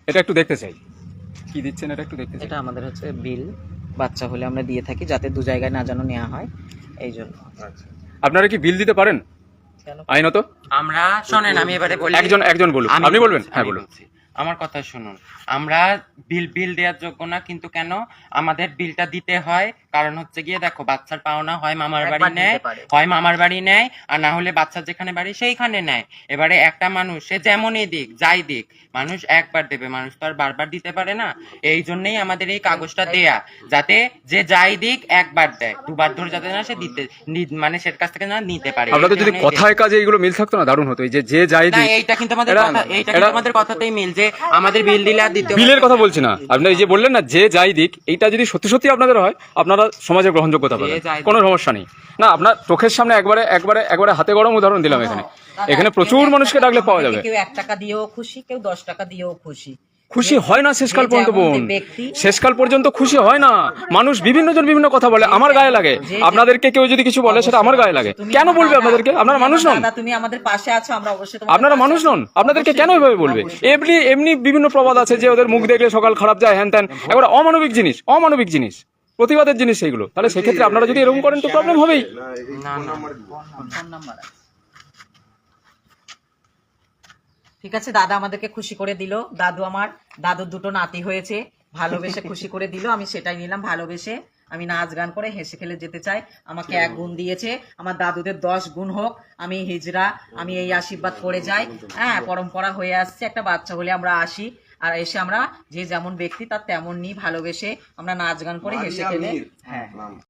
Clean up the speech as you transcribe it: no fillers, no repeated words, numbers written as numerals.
এটা একটু দেখতে চাই, কি দিচ্ছেন এটা একটু দেখতে চাই। এটা আমাদের হচ্ছে বিল, বাচ্চা হলে আমরা দিয়ে থাকি যাতে দু জায়গায় না যেন নেওয়া হয়, এই জন্য। আচ্ছা, আপনারা কি বিল দিতে পারেন আইনত? আমরা শোনেন, আমি এবারে বলি। একজন বলুন, আপনি বলবেন? হ্যাঁ বলুন। আমার কথা শুনুন, আমরা বিল দেওয়ার যোগ্য না, কিন্তু কেন আমাদের বিলটা দিতে হয়? কারণ হচ্ছে গিয়ে দেখো, বাচ্চার পাওনা হয় মামার বাড়ি নেয়, হয় মামার বাড়ি নেয়, আর না হলে বাচ্চার যেখানে বাড়ি সেইখানে নেয়। এবারে একটা মানুষ সে যেমনই দিক যাই দিক, মানুষ একবার দেবে, মানুষ তো আর বারবার দিতে পারে না। এই জন্যই আমাদের এই কাগজটা দেয়া, যাতে যে যাই দিক একবার দেয়, দুবার ধরে যাতে না সে দিতে মানে সের কাছ থেকে না নিতে পারে। আপনাদের যদি কথায় কাজে এগুলো মিল থাকতো না, দারুণ হতো। এই যে যাই না, দিক, এইটা কিন্তু আমাদের কথা, এইটা কিন্তু আমাদের কথাতেই মিল, যে আমাদের বিল দিলে আর দিতে বিলের কথা বলছি না, আপনি এই যে বললেন না যে যাই দিক, এইটা যদি সত্যি সত্যি আপনাদের হয়, আপনারা সমাজের গ্রহণযোগ্যতা পাবেন, কোনো সমস্যা নেই। না, আপনার চোখের সামনে একবারে হাতে গরম উদাহরণ দিলাম। এখানে প্রচুর মানুষকে ডাকলে পাওয়া যাবে। কেউ 1 টাকা দিয়েও খুশি, কেউ 10 টাকা দিয়েও খুশি। খুশি হয় না শেষকাল পর্যন্ত বোন, শেষকাল পর্যন্ত খুশি হয় না। মানুষ বিভিন্ন জন বিভিন্ন কথা বলে, আমার গায়ে লাগে। আপনাদেরকে কেউ যদি কিছু বলে সেটা আমার গায়ে লাগে। কেন বলবে আপনাদেরকে? আপনারা মানুষ নন? তুমি আমাদের পাশে আছো, আমরা অবশ্যই আপনারা মানুষ নন? আপনাদেরকে কেন এভাবে বলবে? এমনি বিভিন্ন প্রবাদ আছে যে ওদের মুখ দেখলে সকাল খারাপ যায়, হ্যান ত্যান, এবার অমানবিক জিনিস, প্রতিবাদের জিনিস সেইগুলো। তাহলে সেক্ষেত্রে আপনারা যদি এরকম করেন তো প্রবলেম হবেই। ঠিক আছে, দাদা আমাদেরকে খুশি করে দিল। দাদুর 2টো নাতি হয়েছে, ভালোবেসে খুশি করে দিল। আমি সেটাই নিলাম, ভালোবেসে। আমি নাচ গান করে হেসে খেলে যেতে চাই। আমাকে 1 গুণ দিয়েছে, আমার দাদুদের 10 গুণ হোক। আমি হিজড়া, আমি এই আশীর্বাদ করে যাই। হ্যাঁ, পরম্পরা হয়ে আসছে, একটা বাচ্চা হলে আমরা আসি, আর এসে আমরা যে যেমন ব্যক্তি তার তেমন নিই, ভালোবেসে আমরা নাচ গান করে হেসে খেলে। হ্যাঁ।